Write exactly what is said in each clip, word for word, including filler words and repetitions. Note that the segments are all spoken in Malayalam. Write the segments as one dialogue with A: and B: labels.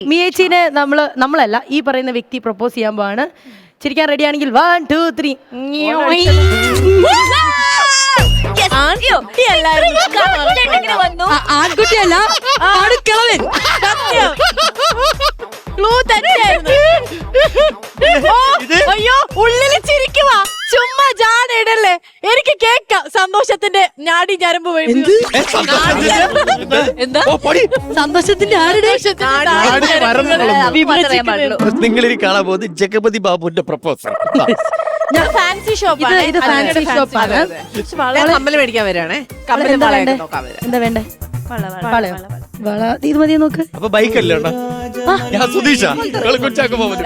A: മിയേച്ചിനെ നമ്മള് നമ്മളല്ല ഈ പറയുന്ന വ്യക്തി പ്രപ്പോസ് ചെയ്യാൻ പോവാണ്. ചിരിക്കാൻ റെഡി ആണെങ്കിൽ വൺ ടു ത്രീ.
B: ആൺകുട്ടിയല്ല ആടുക്കളവൻ.
C: അയ്യോ ഉള്ളില് ചിരിക്കുവാ, ചുമ്മാ ജാടയിടല്ലേ. എനിക്ക് കേക്കാം സന്തോഷത്തിന്റെ ഞാടി ഞരമ്പ് എന്താ
B: സന്തോഷത്തിന്റെ ആരുടെ
D: നിങ്ങൾ ഇനി കാണാൻ പോകുന്നത് ജഗപതി ബാബുവിന്റെ പ്രപ്പോസൽ.
C: ഫാൻസി ഷോപ്പ്
A: ഇത് ഫാൻസി ഷോപ്പാണ്.
C: കമ്മല് മേടിക്കാൻ വരാണേ. കമ്മല് വളയൊക്കെ നോക്കാൻ വരാം.
A: എന്താ വേണ്ടേ? വളയോ? വള ഇത് മതിയെ നോക്ക്.
D: അപ്പൊ ബൈക്ക് അല്ലേ ഞാൻ സുധീഷ കൊച്ചാക്ക് പോകുന്നത്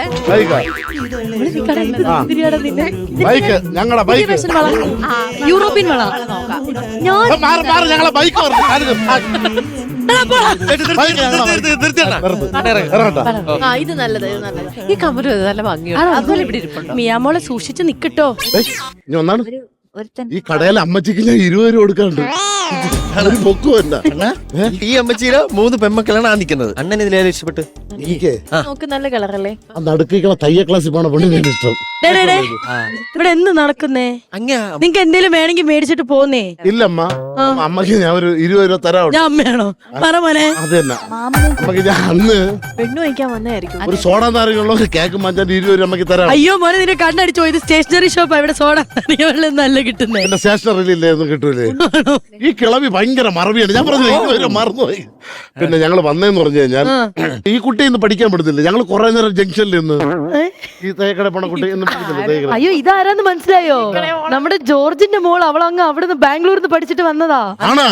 E: ബൈക്ക് ഞങ്ങളെ ബൈക്ക്
B: യൂറോപ്യൻ വള.
E: ഞങ്ങളെ ബൈക്ക്
C: ഇത് നല്ലത്, ഇത് നല്ലത്. ഈ കമ്മല് നല്ല ഭംഗിയാണ്. അതുപോലെ ഇവിടെ ഇരിപ്പുണ്ടോ?
A: മിയാമോളെ സൂക്ഷിച്ച് നിക്കട്ടോ.
E: ഒന്നാണ് ഈ കടയിലെ അമ്മച്ചിക്ക് ഞാൻ ഇരുപത് രൂപ കൊടുക്കാറുണ്ട്.
D: ഈ അമ്മച്ചീര മൂന്ന് പെമ്മക്കളാണ് ആ നിൽക്കുന്നത്. അണ്ണൻ ഇതിലേറെ ഇഷ്ടപ്പെട്ട്
C: നോക്ക്, നല്ല കളറല്ലേ?
E: നടുക്കിക്കണ തയ്യ ക്ലാസ്സിൽ പോണ പെണ്ണിനെ ഇഷ്ടം.
A: ഇവിടെ എന്ത് നടക്കുന്നേ? നിങ്ങക്ക് എന്തേലും വേണമെങ്കിൽ മേടിച്ചിട്ട് പോന്നേ.
E: ഇല്ലമ്മ, അമ്മക്ക് ഞാൻ ഒരു ഇരുപത് രൂപ തരാം.
A: ഞാൻ അമ്മയാണോ? പറ മോനെ.
E: അത് തന്നെ അമ്മക്ക് ഞാൻ അന്ന്
C: പെണ്ണു വയ്ക്കാൻ വന്നായിരിക്കും.
E: ഒരു സോഡ നാരങ്ങളുള്ള ഒരു കേക്ക് മാറ്റാൻ ഇരുപത് രൂപ അമ്മക്ക് തരാം.
A: അയ്യോ മോനെ, നിന്നെ കണ്ണടിച്ചോ? ഇത് സ്റ്റേഷനറി ഷോപ്പാ. ഇവിടെ സോഡ നല്ല കിട്ടുന്നേ.
E: എന്റെ സ്റ്റേഷനറിയില്ലായിരുന്നു, കിട്ടൂലേ? ഈ കിളവി ഭയങ്കര മറവിയാണ്. ഞാൻ പറഞ്ഞു ഇരുപത് മറന്നുപോയി. പിന്നെ ഞങ്ങൾ വന്നേന്ന് പറഞ്ഞു കഴിഞ്ഞാൽ ഈ കുട്ടി ഇന്ന് പഠിക്കാൻ പറ്റത്തില്ല. ഞങ്ങൾ കുറെ നേരം ജംഗ്ഷനിൽ നിന്ന് ഈ തേക്കട പോണ കുട്ടി
A: അയ്യോ ഇതാരാന്ന് മനസ്സിലായോ? നമ്മുടെ ജോർജിന്റെ മോൾ. അവളങ്ങ് അവിടുന്ന് ബാംഗ്ലൂരിൽ നിന്ന് പഠിച്ചിട്ട് വന്നതാ.
E: ആണാ?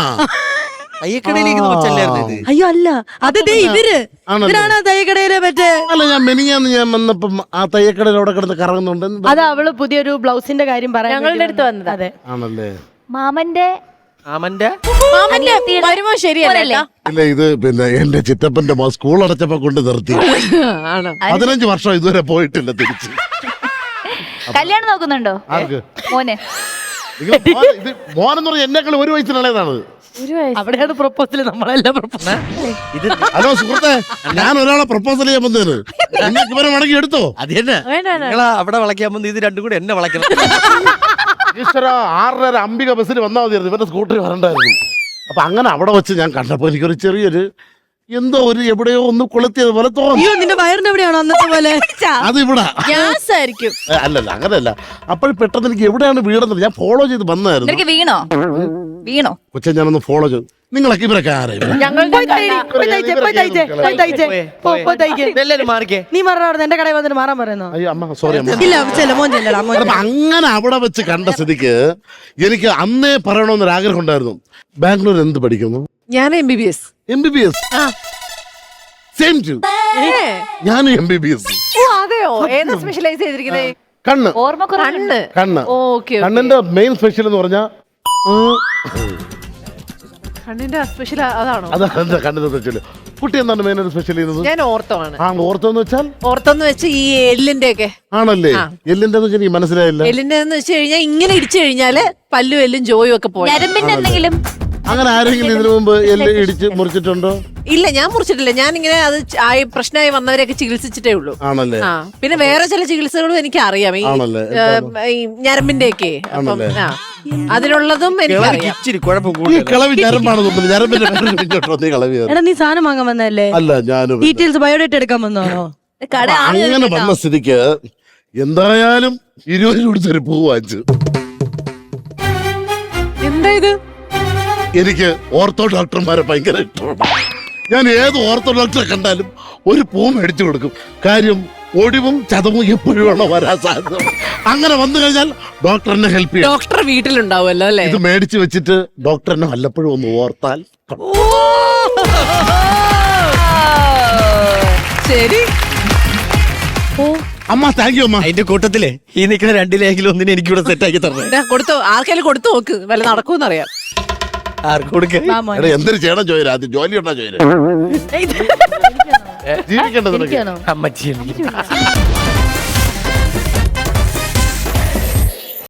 A: അയ്യോ അല്ല, അത് ദേ ഇവര് ഇവരാണ് തയ്യക്കടയിലെ മറ്റേ.
E: അല്ല, ഞാൻ മെനിയാന്ന് ഞാൻ വന്നപ്പം ആ തയ്യക്കടയിൽ അവിടെ കിടന്ന് കറങ്ങുന്നുണ്ട്.
A: അത് അവള് പുതിയൊരു ബ്ലൗസിന്റെ കാര്യം പറയാൻ
C: ഞങ്ങളുടെ അടുത്ത് വന്നത്.
A: അതെ
E: ആണല്ലേ?
F: മാമന്റെ
D: മാമന്റെ
C: വരുമ്പോ ശരിയല്ലേ?
E: ഇല്ല, ഇത് പിന്നെ എന്റെ ചിറ്റപ്പന്റെ മോൻ സ്കൂൾ അടച്ചപ്പോ കൊണ്ട് നിർത്തി. പതിനഞ്ച് വർഷം ഇതുവരെ പോയിട്ടില്ല തിരിച്ച്.
F: കല്യാണം നോക്കുന്നുണ്ടോ
E: ആർക്ക്?
F: മോനെ.
E: മോനെന്ന് പറഞ്ഞാൽ എന്നെക്കാൾ ഒരു വയസ്സിനുള്ളതാണ്.
A: അവിടെയാണ് പ്രപ്പോസൽ. നമ്മളെല്ലാം പ്രപ്പോസൽ.
E: ഹലോ സുഹൃത്തെ, ഞാൻ ഒരാളെ പ്രപ്പോസൽ ചെയ്യാൻ വന്നേന്. നിങ്ങൾക്ക് ഇവരെ മടങ്ങി എടുത്തോ?
D: അത് തന്നെ നിങ്ങളാ അവിടെ വളയ്ക്കാൻ വന്ന് ഇത് രണ്ടും കൂടെ എന്നെ വളയ്ക്കണം.
E: ഈശ്വര, ആറര അംബിക ബസ്സിൽ വന്നാൽ മതിയായിരുന്നു, ഇവരുടെ സ്കൂട്ടറിൽ വരണ്ടായിരുന്നു. അപ്പൊ അങ്ങനെ അവിടെ വെച്ച് ഞാൻ കണ്ടപ്പോ എനിക്കൊരു ചെറിയൊരു എന്തോ ഒരു എവിടെയോ ഒന്ന് കൊളുത്തിയത് പോലെ തോന്നി.
A: അയ്യോ നിന്റെ വയറിന്റെ എവിടെയാണോ അന്നത്തെ പോലെ?
E: അത് ഇവിടെ
C: ഗ്യാസ് ആയിരിക്കും.
E: അല്ലല്ല, അങ്ങനെയല്ല. അപ്പോൾ പെട്ടെന്ന് എനിക്ക് എവിടെയാണ് വീടെന്നത് ഞാൻ ഫോളോ ചെയ്ത് വന്നായിരുന്നു.
F: നിനക്ക് വീണോ വീണോ
E: കൊച്ചെ ഞാനൊന്ന് ഫോളോ ചെയ്തു. നിങ്ങളൊക്കെ ഇവരൊക്കെ ആരായിരുന്നു?
D: എല്ലാരും മാറിക്കേ.
A: നീ മാറാ, എന്റെ കടയിൽ വന്നിട്ട് മാറാൻ പറയുന്നോ?
E: അയ്യോ അമ്മ, സോറി അമ്മ.
A: ഇല്ല മോൻ ചെല്ലടാ.
E: അപ്പൊ അങ്ങനെ അവിടെ വെച്ച് കണ്ട സ്ഥിതിക്ക് എനിക്ക് അന്നേ പറയണമെന്നൊരു ആഗ്രഹം ഉണ്ടായിരുന്നു. ബാംഗ്ലൂർ എന്ത് പഠിക്കുന്നു?
C: ഞാൻ M B B S.
E: M B B S. Same too ഞാൻ എം ബി ബി എസ്.
C: അതെയോ? ഏതാ സ്പെഷ്യലൈസ് ചെയ്തിരിക്കുന്നത്?
E: കണ്ണ്.
F: ഓർമ്മ
C: കണ്ണ്.
E: കണ്ണ്.
C: ഓക്കെ.
E: കണ്ണിന്റെ മെയിൻ സ്പെഷ്യൽ എന്ന് പറഞ്ഞാൽ
C: കണ്ണിന്റെ സ്പെഷ്യൽ അതാണോ?
E: അതാണ് കണ്ണിന്റെ സ്പെഷ്യൽ. കുട്ടി എന്താണ് മെയിൻ സ്പെഷ്യൽ ചെയ്യുന്നത്?
C: ഞാൻ ഓർത്തോ ആണ്.
E: ആ, ഓർത്തോ എന്ന് വെച്ചാൽ?
C: ഓർത്തോന്ന് വെച്ച് ഈ എല്ലിന്റെ ഒക്കെ
E: ആണല്ലേ? എല്ലിന്റെ എന്ന് വെച്ചാൽ എനിക്ക് മനസ്സിലായില്ല.
C: എല്ലിന്റെ എന്ന് വെച്ച് കഴിഞ്ഞാൽ ഇങ്ങനെ ഇടിച്ചു കഴിഞ്ഞാല് പല്ലും എല്ലും ജോയും ഒക്കെ പോയി.
F: ഞരമ്പിന്റെ എന്തെങ്കിലും?
E: അങ്ങനെ ആരെങ്കിലും ഇതിനു മുമ്പ് എല്ല് ഇടിച്ച് മുറിച്ചിട്ടുണ്ടോ?
C: ഇല്ല, ഞാൻ മുറിച്ചിട്ടില്ല. ഞാൻ ഇങ്ങനെ അത് ആയി പ്രശ്നമായി വന്നവരെയൊക്കെ ചികിത്സിച്ചിട്ടേ ഉള്ളൂ.
E: ആണല്ലേ?
C: ആ, പിന്നെ വേറെ ചില ചികിത്സകളും എനിക്ക് അറിയാം. ഈ ഞരമ്പിന്റെ ഒക്കെ അതിനുള്ളതും എനിക്കറിയാം.
D: ഇച്ചിരി കുഴപ്പം
E: ഈ കിളവി ഞരമ്പാണ് തോന്നുന്നത്. ഞരമ്പിന്റെ കളവി.
A: എടാ നീ സാധനം വാങ്ങാൻ വന്നല്ലേ?
E: അല്ല, ഞാൻ
A: ഡീറ്റെയിൽസ് ബയോഡേറ്റ എടുക്കാൻ വന്നോണോ?
E: അങ്ങനെ വന്ന സ്ഥിതിക്ക് എന്തായാലും ഇരുപത് കൊടുത്തൊരു പൂ വാങ്ങിച്ചു.
C: എന്താ ഇത്?
E: എനിക്ക് ഓർത്തോ ഡോക്ടർമാരെ ഭയങ്കര ഇഷ്ടമാണ്. ഞാൻ ഏത് ഓർത്തോ ഡോക്ടറെ കണ്ടാലും ഒരു പൂ മേടിച്ചു കൊടുക്കും. കാര്യം ഒടിവും ചതവും എപ്പോഴും വരാൻ സാധ്യത. അങ്ങനെ വന്നു കഴിഞ്ഞാൽ ഡോക്ടർ എന്നെ ഹെൽപ്പ് ചെയ്യും.
C: ഡോക്ടർ വീട്ടിലുണ്ടാവുമല്ലോ അല്ലേ?
E: ഇത് മേടിച്ചു വെച്ചിട്ട് ഡോക്ടർ എന്നെ വല്ലപ്പോഴും ഒന്ന് ഓർത്താൽ.
C: ശരി.
E: അമ്മ താങ്ക് യു അമ്മ.
D: അതിന്റെ കൂട്ടത്തില് ഈ നിൽക്കുന്ന രണ്ടിലെങ്കിലും ഒന്നിനെ എനിക്കിവിടെ സെറ്റ് ആക്കി തരണം.
C: കൊടുത്തു, ആർക്കെങ്കിലും കൊടുത്തു നോക്ക്, വല്ല നടക്കൂന്നറിയാം.
D: ആർക്ക് കൊടുക്കേ?
E: എന്തൊരു ചെയ്യണം ചോദിച്ചു. ആദ്യം ജോലി ഉണ്ടോ ചോദിച്ചു. ജീവിക്കേണ്ടത്
D: അമ്മച്ചി